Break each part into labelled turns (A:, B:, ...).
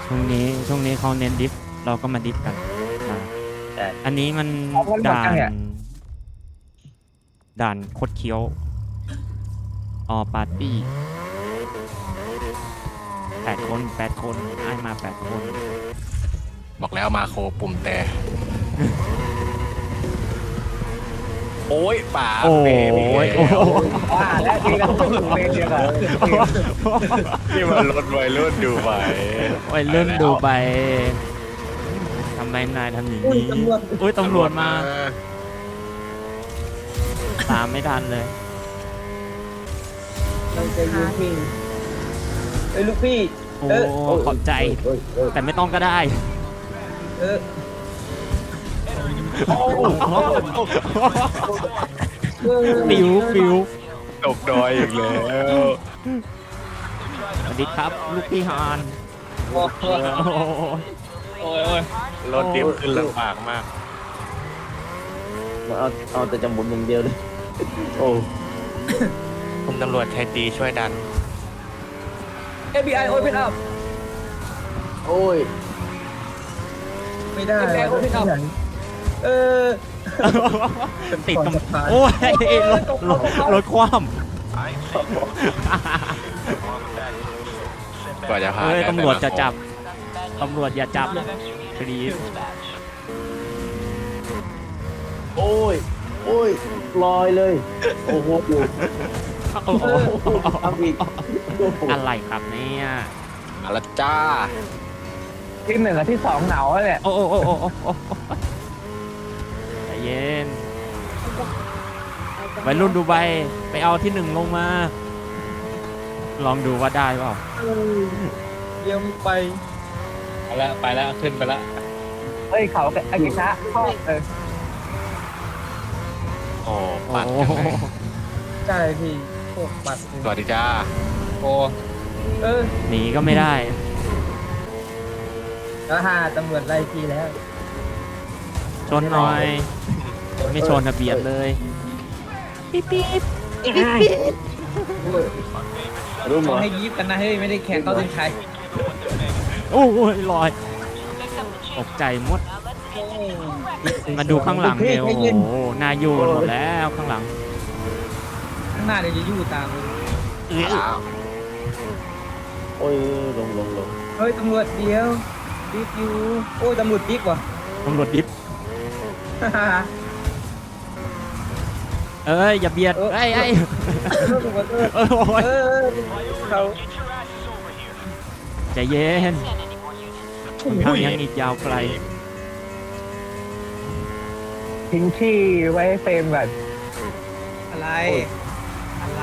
A: ช่วงนี้เขาเน้นดิฟเราก็มาดิฟกันอ่า
B: ใช่
A: อันนี้มันด่านคดเคี้ยวปาร์ตี้8 คนไอ้มา8 คน
C: บอกแล้วมาโคปุ่มแต่ โอ้ยป่า
A: โอ้
C: เบ
A: ย
C: บี
B: ว่าแล้วจริงแล้วต้องอยู่เวรเดียวกัน
C: นี่มันรถวัยรุ่นดูไป
A: โอ้ยเลื่อนดูไปทำไมนายทำอย่างนี้อุ้ยตำรวจมาตามไม่ทันเลย
B: เราจะยิงพี่เอ้ยลูกพี่
A: โอ้ขอบใจ แต่ไม่ต้องก็ได้
B: เออ
A: ปิว
C: ตกดอยอีกแล้ว
A: สวัสดีครับ ลูกพี่ฮาน
B: โอ้โห
A: โอ้
D: โอ้ย
C: รถดิฟขึ้นลำบากมาก
B: เอาแต่จะหมุนอย่างเดียวเลยโอ้
C: คุณตำรวจไทยตีช่วยดัน
B: FBI open up โอ้ยไม่ได้ FBI open up เออ
A: ติดกับโอ้ยรถคว่ำ
C: กว่าจะผ่าน
A: เฮ้ย
C: ได้
A: ตำรวจ
C: แต่
A: จะ
C: ละ
A: จับ ตำรวจอย่าจับพลีส
B: โอ้ยโอ้ยลอยเลยโอ้โหทำอีก
A: อะไรครับเนี่ย
C: มาและจ้า
B: ที่1กับที่2หนาวเนี่ย
A: โอ้ใจเย็นวัยรุ่นดูไบไปเอาที่1ลงมา ลองดูว่าได้เปล่า
B: เดี๋ยวไป
D: ไปแล้วขึ้นไปแล้ว
B: เฮ้ยเขาอากิชะเข้า
C: โอ้
A: โอ้
C: ปัดกันไหน
B: ใช่พี่พวกบัตร
C: สวัสดีจ้า
D: โอ้
B: เออ
A: หนีก็ไม่ได้
B: แล้วหาตำรวจไล่พี่แล้ว
A: ชนหน่อย ไม่ชนทะเบียนเลย
B: รู้ไหม
D: เขาให้ยิบกันนะเฮ้ยไม่ได้แข่งเข้าถึงใคร
A: โอ้ยลอยตกใจหมด มาดูข้างหลังเร็วโอ้โหนายูนหมดแล้วข้างหลัง
D: ข้างหน้าเดี๋ยวจะยู่ตามเลย
B: โอ้ยลงเฮ้ยตำรวจเดียวดิฟอยู่โอ้ยตำรวจดิฟว่ะ
A: ตำรวจดิฟเอ้ยอย่าเบียดไอ้ยโอ้ย
B: เขา
A: ใจเย็นทางยังอีกยาวไกล
B: ทิ้งที่ไว้ให้เฟรมก่อน
D: อะไรอะไร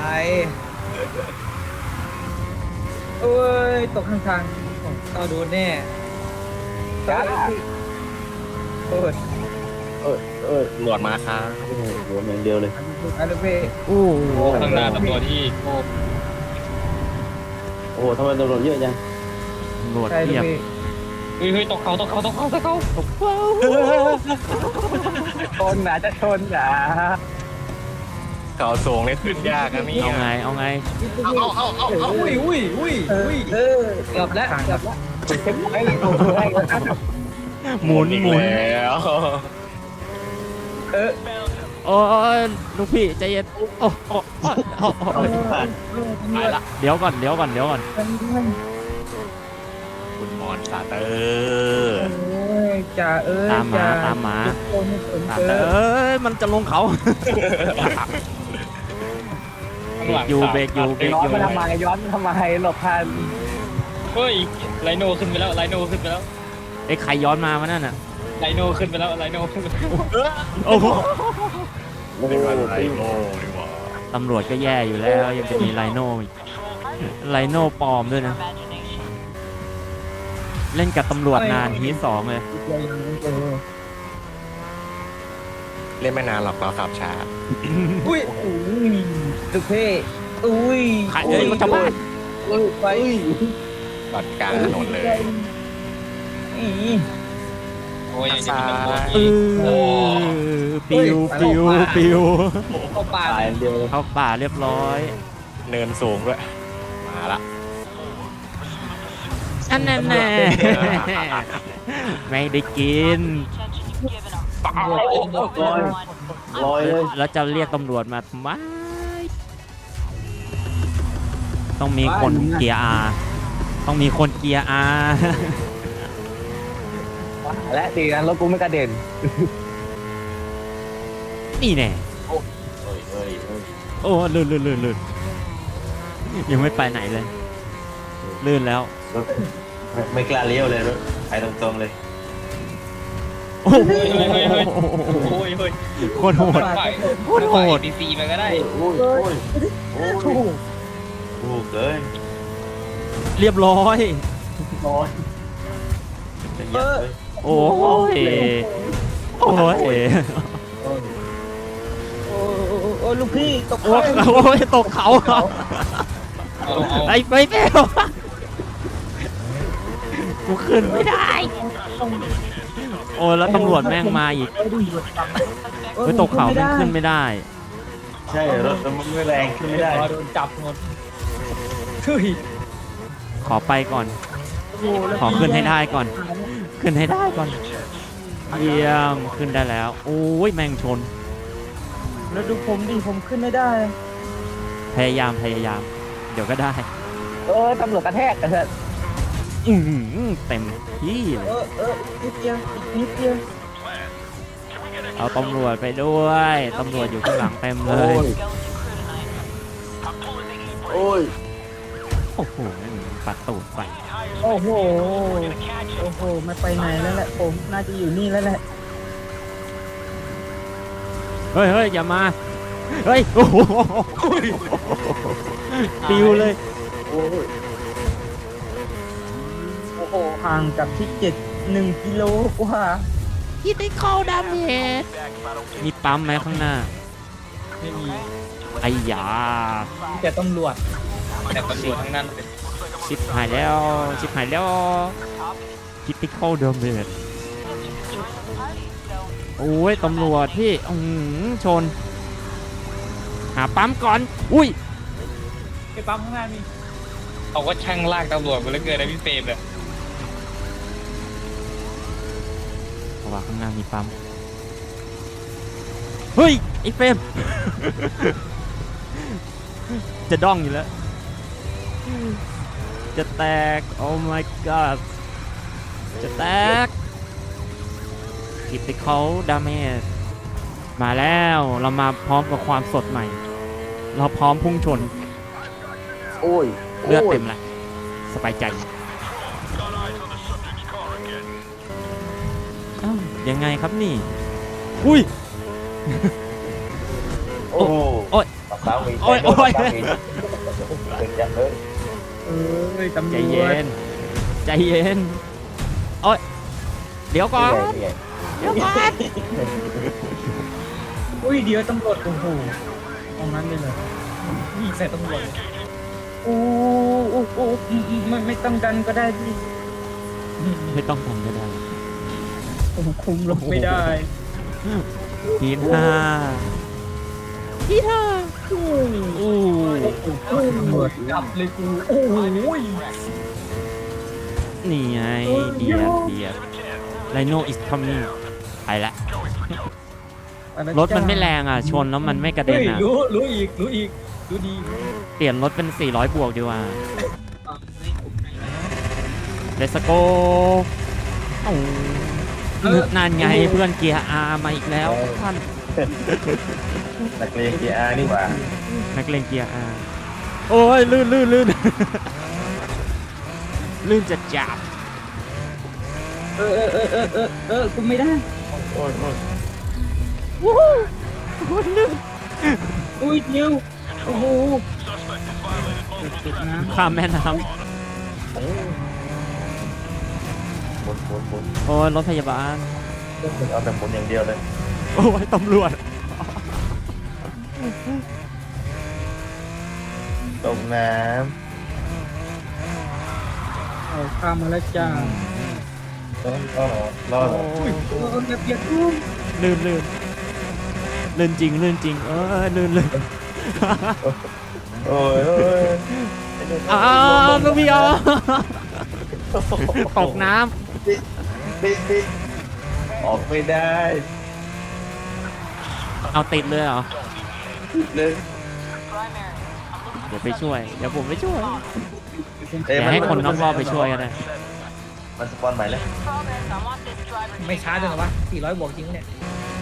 B: โอ้ยตกข้างทาง
D: เราโดนแน่
B: จ้าโอ้ย
C: ตำรวจมาครับ
B: โดนอย่างเดียวเลยอันนี้เพ่
A: โอ้โห
D: ข้างหน้าตำรวจที่โอ้
B: โอ้ทำไมตำรวจเยอะจัง
A: ตำรวจเทียบ
D: เฮ้ยตกเขา
B: ชนนะจะชนนะ
C: เขาสูงนี่ขึ้นยากนะนี่
A: เอาไง
C: เอา
D: อุ้ย
B: เกือบแล้วเช็คไว้เลย
A: หมุน
C: อีก
A: หมุน
C: แล้ว
A: โอ้ยลูกพี่ใจเย็นโอ้ไปละเดี๋ยวก่อน
C: คุณมอนซาเตอร์
B: จ่าเอ้ย
A: ตามมาตามมันจะลงเขาเบรกอยู่
B: ย้อนมาทำไมหลบทัน
D: เฮ้ยไลโนขึ้นไปแล้ว
A: ไอ้ใครย้อนมาวะนั่นน่ะ
D: ไลโนขึ้นไปแล้ว
A: โอ้โห
C: เป็นวันไรโง่ดีกว่า
A: ตำรวจก็แย่อยู่แล้วยังจะมีไลโน่อีกไลโน่ปลอมด้วยนะ เล่นกับตำรวจนานทีสองเลย
C: เล่นไม่นานหรอกเราขับช้า
B: อุ้ยตึกเพ่อุ้ย
A: ขายเลยรถชาวบ้าน
B: ไป
C: ปัดกลางถนนเลย
D: โอ้ยยังจะมีตำรวจ
A: เอ
D: อีก
A: ปิว
D: เข้าป่า
B: ตายเดียว
A: เข้าป่าเรียบร้อย
C: เนินสูงด้วย มาละ
A: อันนั้นแน่ ไม่ได้กิน
B: ลอยเลย
A: แล้วจะเรียกตำรวจมาทำไมต้องมีคนเกียร์อาต้องมีคนเกียร์อา
C: และดีนะรถกูไม่กระเด็น
A: นี่แน่
B: เฮ้ยเฮ้ยเฮ้ย
A: โอ้ลื่นยังไม่ไปไหนเลยลื่นแล้ว
B: ไม่กล้าเลี้ยวเลยรถไปตรงๆเลย
A: โอ้โห
D: โอ้ยเฮ้ย
A: โคตรโหด โคตรโหด
D: ดีซีมันก็ได้
B: โอ้ยโอ้ยโอ้ยถูกเกิน
A: เรียบร้อย
B: ร้อยจะยัดเลย
A: โอ้ยโอ้ย
B: โอ้ลูกพี่ตก
A: โอ้ยตกเขา
D: เอา
A: ไอ้ไปเปลวกูขึ้นไม่ได้ โอ้ยแล้วตำรวจแม่งมาอีกเฮ้ยตกเขาแม่งขึ้นไม่ได้
B: ใช่รถมันไม่แรงขึ้นไม่ได้
D: โดนจับหมดเฮ้ย
A: ขอไปก่อน ขอขึ้นให้ได้ก่อน ขึ้นให้ได้ก่อน เยี่ยม ขึ้นได้แล้ว โอ้ยแม่งชน
B: แล้วดูผมดิผมขึ้นไม่ได้
A: พยายาม เดี๋ยวก็ได้
C: ตำรวจกระแทกกันเถอะ
A: อื้อหือเต็มที่เลย
B: นิดเดียวนิดเดียว
A: เอาตำรวจไปด้วย ตำรวจอยู่ข้างหลังเต็มเลย
B: โอ้ย
A: โอ้โหปัดตูดไป
B: โอ้โหโอ้โหไม่ไปไหนแล้วแหละผมน่าจะอยู่นี่แล้วแหละ
A: เฮ้ยอย่ามา เฮ้ย โอ้โหปิวเลย
B: โอ้โหห่างจากที่1 กิโลกว่า
A: ที่ได้เข้าดาเมจมีปั๊มไหมข้างหน้า
D: ไม่มี
A: ไอ้ยา
D: แต่ตำรวจทั้งนั้น
A: ชิบหายแล้วคิดที่เข้าดาเมจโอ้ยตำรวจพี่ชน หาปั๊มก่อน อุ้ย
D: ไอ้ปั๊มข้างหน้ามีเขาก็ช่างลากตำรวจมาแล้วเกินนะพี่เฟรมเลย
A: เพราะว่าข้างหน้ามีปั๊ม เฮ้ย ไอ้เฟรม จะด้องอยู่แล้ว จะแตก โอ้ my god จะแตกคิดที่เขาดาเมจมาแล้วเรามาพร้อมกับความสดใหม่ เราพร้อมพุ่งชน
B: โอ้ย
A: เลือดเต็มแล้วสบายใจอ้าวยังไงครับนี่ อุ้ย
B: โอ้โห
A: โอ้ย
B: ปักเท้ามี
A: โอ้ยโอ้ย
B: เป็นจังเลย
D: ตำร
A: ใจ
D: วจ
A: เย็น ใจเย็น โอ้ย เดี๋ยวก่อน
B: นี่ไง
A: เดี๋ยวก่อน
D: อุ้ยเดี๋ยวตำรวจโอ้โหตรงนั้นเลยเหรอยิงใส่ตำรวจ
B: โอ้ไม่ต้องดันก็ได้พี่
A: ไม่ต้องทำก็ได้
B: ผมคุมลงไม่ได้
A: ทีห้าทีห้าอู้
D: ตำรวจจับเลยกูโอ้ย
A: นี่ไงเดียดไลโนอิสคัมมิ่งไปละ รถมันไม่แรงอ่ะ ชนแล้วมันไม่กระเด็นอ่ะ
D: รู้อีกรู้ดี
A: เปลี่ยนรถเป็น400 บวกดีกว่าเลสโกนานไงเพื่อนเกียร์อาร์มาอีกแล้วท่าน
B: นักเรียนเกียร์อาร์นี่หว่า
A: นักเลงเกียร์อาร์โอ้ยลื่น ลื่นจะจับ
B: กูไม่ได้โอ้ย
A: วู้ฮู้ลื่น
B: อุ้ยเดียวโอ้โห
A: ข้ามแม่น้
B: หมด
A: ำโอ้ยรถพยาบาล
B: เอาแต่หมดอย่างเดียวเลย
A: โอ้ยตำรวจ
B: ตกน้
D: เอาข้ามมาแล้วจ้า
B: ำรอด
A: โอ้ย
D: ระเบียบกู
A: ลื่นจริงลื่น
B: โอ้ย
A: อ้าวก็พี่อ๋อตกน้
B: ติดออกไม่ได้
A: ำเอาติดเลยเหรอ
B: เลย
A: เดี๋ยวไปช่วย เดี๋ยวผมไปช่วย
B: เอ้ย
A: เดี๋ยวให้คนนอกรอบไปช่วยกันเลย
B: มันสปอนใหม่เลย
E: ไม่ช้าจังหรอวะ400 บวกจริงเนี่ย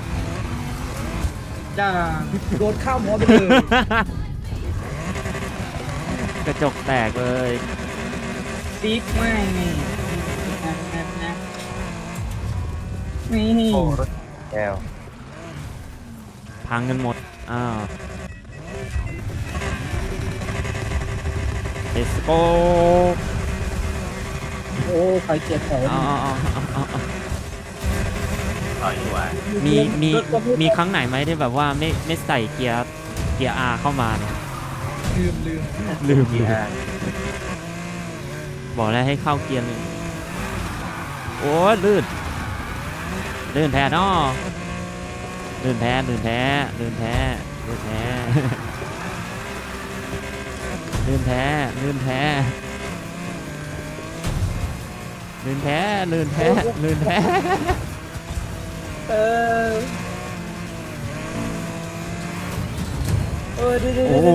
E: จ้าโดนข้าวหมอไปเลย
A: กระจกแตกเลย
E: ติ๊กไม่นี่
B: โอ้รถแก้ว
A: พังกันหมด อ้าว let's go
E: โอ้ใครเจ็บของ
A: เอา
B: ต่อยดีกว่า
A: มีครั้งไหนไหมที่แบบว่าไม่ใส่เกียร์ R เข้ามาเนี่ย
E: ลืม
A: ลืมบอกแล้วให้เข้าเกียร์หนึ่งโอ้ยลื่นแท้เนาะลื่นแท้ลื่นแท้ลื่นแท้ลื่นแท้ลื่นแท้ลื่นแท้ลื่นแท้ลื่นแท้ลื่นแท้
E: เออดู
A: โอ้โห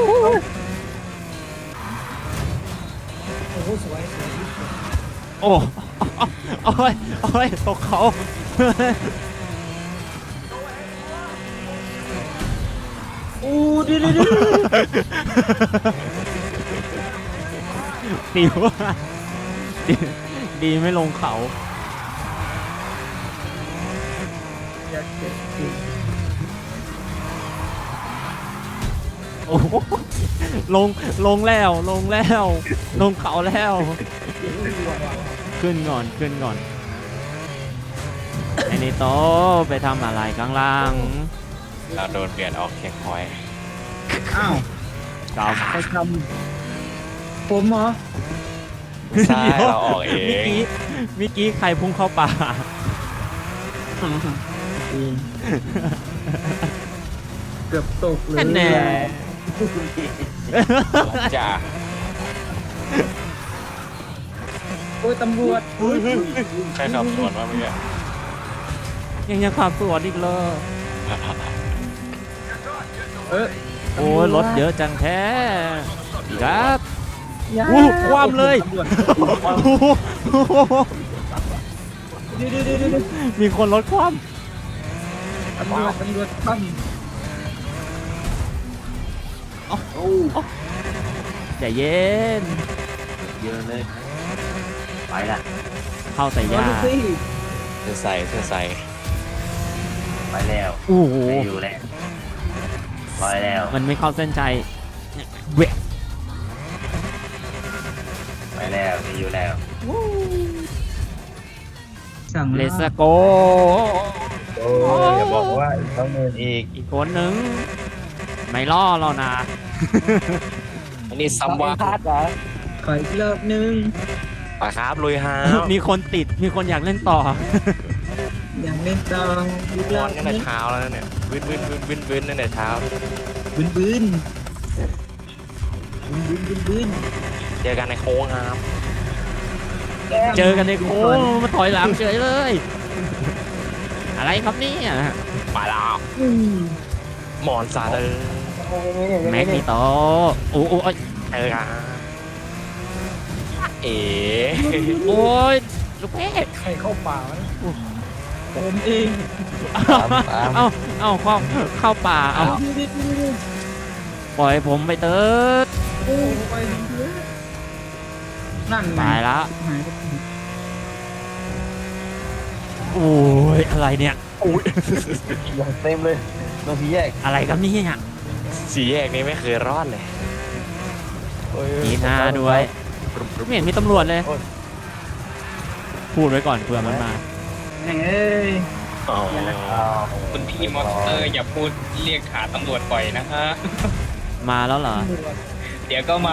E: โอ้โหสวย
A: โอ้โอ้ยตกเขา
E: อู้ดู
A: ดีว่าดีไม่ลงเขา โอ้โหลงแล้วลงเขาแล้ว ขึ้นก่อนไอ้นี่โตไปทำอะไรข้างล่าง
C: เราโดนเปลี่ยนออกเช็คพอยต์
E: อ้าว
A: กลับ
E: ใครทำผมเหรอ
C: ใช่เราออกเอง
A: เมื่อกี้ใครพุ่งเข้าป่า
E: เกือบตกเลย
A: แน่
C: จ้า
E: โอ้ยตำรวจ
C: ใครขับสวนมาเมื่อกี้
A: ยังขับสวนอีกเลย โอ้ยรถเยอะจังแท้ครับ อู้ความเลย มีคนรถคว่
E: ตำรวจปั้ม
A: ำใจเย็น
B: เยอะเลยไปละ
A: เข้าใส่ยา
E: ดูสิ
C: เธอใส่
B: ไปแล้ว
A: โอ้โห
B: ไม่อยู่แล้วไปแล้ว
A: มันไม่เข้าเส้นใจเวะ
B: ไปแล้วไม่อยู่แล้ว
E: สั่ง
A: เลสโก
B: โอ้ยอย่าบอกว่าต้องเงินอีก
A: อีกคนหนึ่งไม่ล่อเรานะ
C: อันนี้ซัมวา
E: ขออีกรอบนึง
C: ปะครับลุยฮาว
A: มีคนติดมีคนอยากเล่นต่อ
E: อย่างเล่นตองอีกร
C: น
E: อ
C: อน
E: บ
C: กัน
E: นึ
C: แต่
E: ง
C: เช้าแล้วเนี่ยวินตั้งแต่เช้า
E: บึ้นบึ้น
C: เจอกันในโค้งครับ
A: เจอกันในโค้งมาถอยหลังเฉยเลย อะไรครับเนี่ย
C: มาแล้วหมอนซาเดอร์
A: แม็กนิโตโอ้ย
C: เจอกันเอ๋
A: โอ้ยลูกเพชร
E: ใครเข้าป่าวะผมเอง
A: เอาเข้าป่าเอาปล่อยผมไปเติร์ด
E: โอ้ไปนั่นไง
A: ตายละ
E: หาย
A: โอ้ยอะไรเนี่ย
B: อย่างเต็มเลยต้องพี่แยก
A: อะไรครับเนี่ย
C: สี่แยกนี้ไม่เคยรอดเลย
A: มีหน้าด้วยไม่เห็นมีตำรวจเลย พูดไว้ก่อนเผื่อมันมา
E: แม่งเอ้ย
C: อ๋อ
D: คุณพี่มอสเตอร์อย่าพูดเรียกหาตำรวจบ่อยนะฮะ
A: มาแล้วเหรอ
D: เดี๋ยวก็มา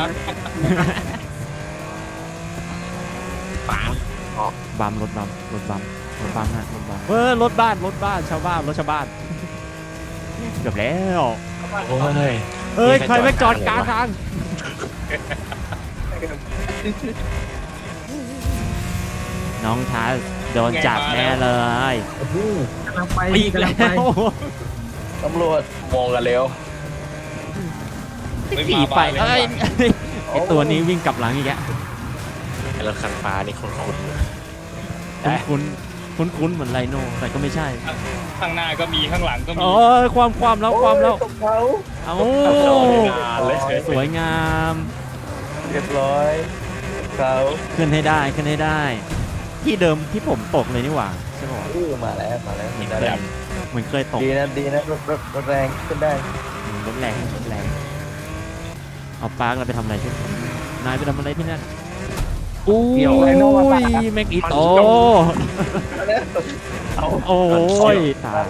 A: บัมรถบัมฮะรถบัมรถบ้านชาวบ้านรถชาวบ้านเกือบแล้ว
C: โอ้ย
A: เอ้ยใครไม่จอดกลางทางน้องทัสโดนจับแน่เลย
B: กำลังไป
A: อีก
B: กำ
A: แล้
B: ลังไป
A: ว
C: ตำรวจมองกันเร็ว
D: ไม่
A: ขี่
D: มา
A: ไป
D: บ้านเลย
A: เอ้ยไอตัวนี้วิ่งกลับหลังอีกแล้ว
C: ไอ้รถคันฟ้านี่คุ้น
A: คุ้นเหมือนไรโน่แต่ก็ไม่ใช่
D: ข้างหน้าก็มีข้างหลังก็มี
A: โอ้ยความแล้ว
B: ตกเขา
A: เอา
C: ๆงานเลย
A: สวยงาม
C: เรียบร้อยเขา
A: ขึ้นให้ได้ขึ้นให้ได้ ที่เดิมที่ผมตกเลยนี่หว่าใช่ป่ะ
C: มาแล้วเห็นได้
A: เหมือนเคยตก
C: ดีนะรถแรงขึ้นได้
A: รถแรงเอาปาร์คเราไปทำอะไรที่นายไปทำอะไรที่นั่นอุ้ยแม็กอีโตโอ้ยตาย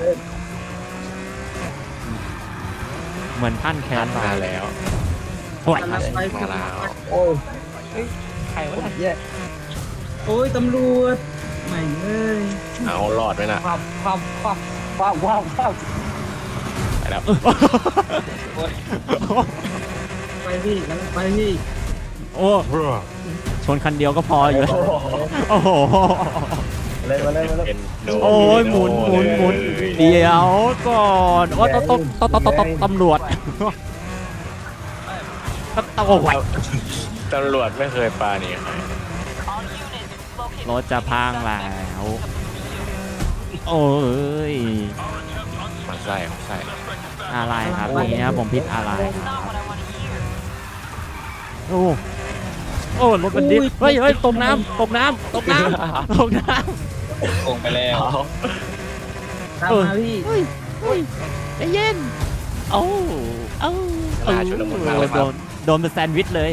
A: เหมือนท่านแค
C: ทั
A: น
C: นมาแล้ว
A: โอ้ย
C: มาแล้ว
B: โอ้ย
E: ใครวะเนี่ย
B: แย่โอ้ยตำรวจไม่เอ้ย
C: เอาหลอดไว้นะ
B: ว้าว
C: ไปแล้ว
B: ไปพี่กำลังไปพี่
A: โอ้ชนคันเดียวก็พออยู่แล้วโอ้โห
C: มาเลยเป็นโด
A: โอ้ยหมุนเดี๋ยวก่อนโอ้ยตำรวจโอ้ย
C: ตำรวจไม่เคยปาหนีใคร
A: รถจะพังแล้วโอ้ย
C: มาใส่
A: อะไรครับนี่นะผมพิดอะไรครับโอ้รถมันดิฟเฮ้ยตกน้ำ
D: โกงไปแล้ว
B: ตามมาพี่
A: ใจเย็นโอ้โดนเป็นแซนด์วิชเลย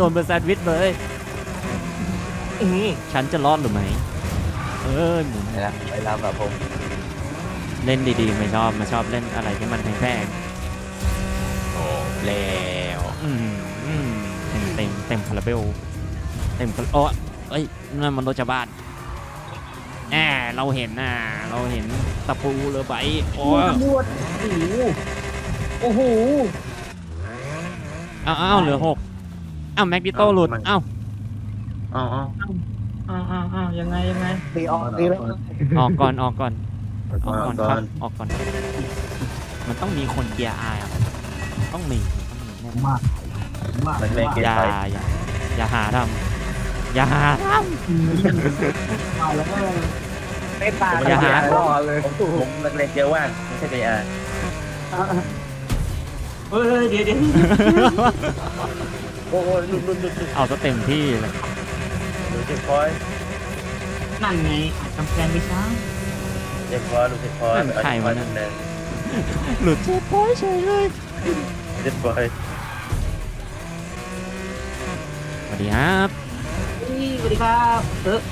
A: ฉันจะรอดหรือไม่หมุน
C: ไปรับแบบผม
A: เล่นดีๆไม่ชอบเล่นอะไรที่มันแพง
C: โอ้แล้ว
A: ๆเต็มคาราเบลโอ้เอ้ยนั่นมันรถชาวบ้านเราเห็นตะปูเรือใบโอ้
B: ตำรวจโอ้โห
A: อ้าวเหลือ6แม็กดิโต้หลุดอ้าว
B: ยังไงตีออกแล้ว
A: ออกก่อนครับออกก่อนมันต้องมีคนเกียร์อายต้องมีแน่ๆ
B: มาก
A: อย่าหาทำอย่าหาท
B: เอาแล้วไม่ตา
A: อย่าหา
B: เลย
C: ผมเล็กๆเยอะว่างไม่ใช่ไอ้
B: เฮ้ยเดี๋ยว
C: โอ้ลุด
A: เอาซะเต็มที่เลย
C: ดูเจ็บคอย
B: นั่นไงอาจกำแพงไม่ช้า
C: เจ็บคอยดูเจ็บคอย
A: หลุดเช็คพอยต์เฉยเลย
C: เจ็บคอย
A: สวัสดีครับ
B: สวัสดีครับ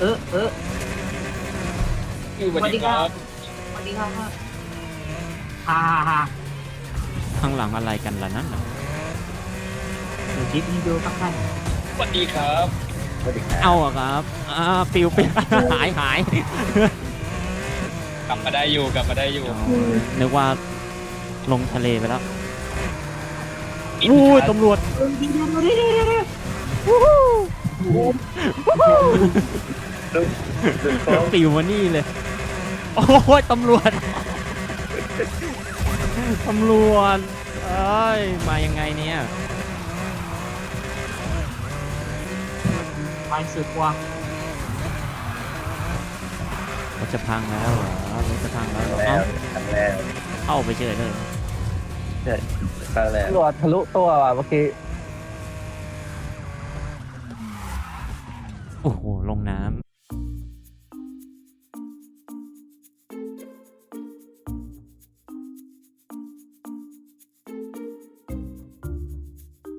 D: สวัสดีครับ
B: สวัสดีครับฮ่า
A: ข้างหลังอะไรกันล่ะนั่นน่ะ
B: ดูคลิปนี้ดูครับท่าน
D: สวัสดีครับ
C: สวัสดีครับ
A: เอาอะครับปิวหาย
D: กลับมาได้อยู่
A: นึกว่าลงทะเลไปแล้วอุ้ยตำรวจปิวมานี่เลยโอ้ยตำรวจเอ้ยมายังไงเนี่ย
B: ไปสุดกว่า
A: รถจะพังแล้วเหรอรถจะพังแล้วเหรอ
C: แล้ว
A: เข้าไปเฉยเลย
C: ตั้งแล้ว
B: ตำรวจทะลุตัวว่ะเมื่อกี้
A: โอ้โหลงน้ำ